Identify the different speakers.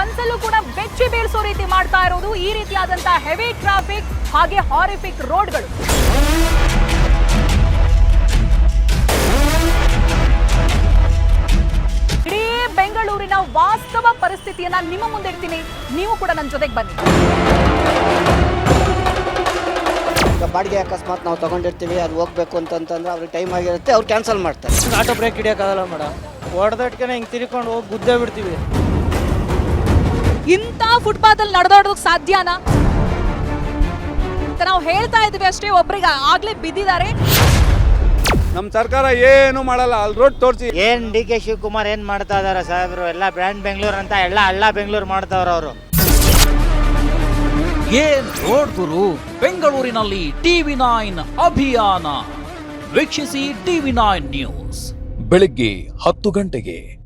Speaker 1: ಕನ್ಸಲ್ಲೂ ಕೂಡ ಬೆಚ್ಚಿ ಬೀಳ್ಸೋ ರೀತಿ ಮಾಡ್ತಾ ಇರೋದು ಈ ರೀತಿಯಾದಂತಹ ಹೆವಿ ಟ್ರಾಫಿಕ್ ಹಾಗೆ ಹಾರಿಫಿಕ್ ರೋಡ್ಗಳು. ಇಡೀ ಬೆಂಗಳೂರಿನ ವಾಸ್ತವ ಪರಿಸ್ಥಿತಿಯನ್ನ ನಿಮ್ಮ ಮುಂದೆ ಇಡ್ತೀನಿ, ನೀವು ಕೂಡ ನನ್ನ ಜೊತೆಗೆ ಬನ್ನಿ.
Speaker 2: ಬಾಡಿಗೆ ಅಕಸ್ಮಾತ್ ನಾವು ತಗೊಂಡಿರ್ತೀವಿ, ಅದು ಹೋಗ್ಬೇಕು ಅಂತಂದ್ರೆ ಅವ್ರಿಗೆ ಟೈಮ್ ಆಗಿರುತ್ತೆ, ಅವ್ರು ಕ್ಯಾನ್ಸಲ್ ಮಾಡ್ತಾರೆ.
Speaker 3: ಆಟೋ ಬ್ರೇಕ್ ಹಿಡಿಯೋಕ್ಕಾಗಲ್ಲ ಮೇಡಮ್, ಹೊಡೆದಟ್ಕೆ ಹಿಂಗೆ ತಿರ್ಕೊಂಡು ಹೋಗಿ ಗುದ್ದೇ ಬಿಡ್ತೀವಿ.
Speaker 1: ಇಂಥ ಫುಟ್ಪಾತ್ ಅಲ್ಲಿ ನಡೆದಾಡೋದಕ್ಕೆ ಸಾಧ್ಯನಾ? ನಾವು ಹೇಳ್ತಾ ಇದ್ವಿ ಅಷ್ಟೇ, ಒಬ್ರಿಗೆ ಆಗ್ಲೇ ಬಿದ್ದಿದ್ದಾರೆ.
Speaker 4: ನಮ್ಮ ಸರ್ಕಾರ ಏನು ಮಾಡಲ್ಲ, ಅಲ್ಲಿ ರೋಡ್ ತೋರಿಸಿ.
Speaker 3: ಏನ್ ಡಿ ಕೆ ಶಿವಕುಮಾರ್ ಏನ್ ಮಾಡ್ತಾ ಇದಾರೆ ಸಾಹೇಬ್ರು? ಎಲ್ಲ ಬ್ರ್ಯಾಂಡ್ ಬೆಂಗಳೂರು ಅಂತ ಎಲ್ಲ ಹಳ್ಳ ಬೆಂಗಳೂರು ಮಾಡ್ತಾವ್ರ ಅವರು.
Speaker 5: ಏನ್ ರೋಡ್ ಗುರು, ಬೆಂಗಳೂರಿನಲ್ಲಿ TV9 ಅಭಿಯಾನ ವೀಕ್ಷಿಸಿ. TV9 ನ್ಯೂಸ್ ಬೆಳಿಗ್ಗೆ 10 ಗಂಟೆಗೆ.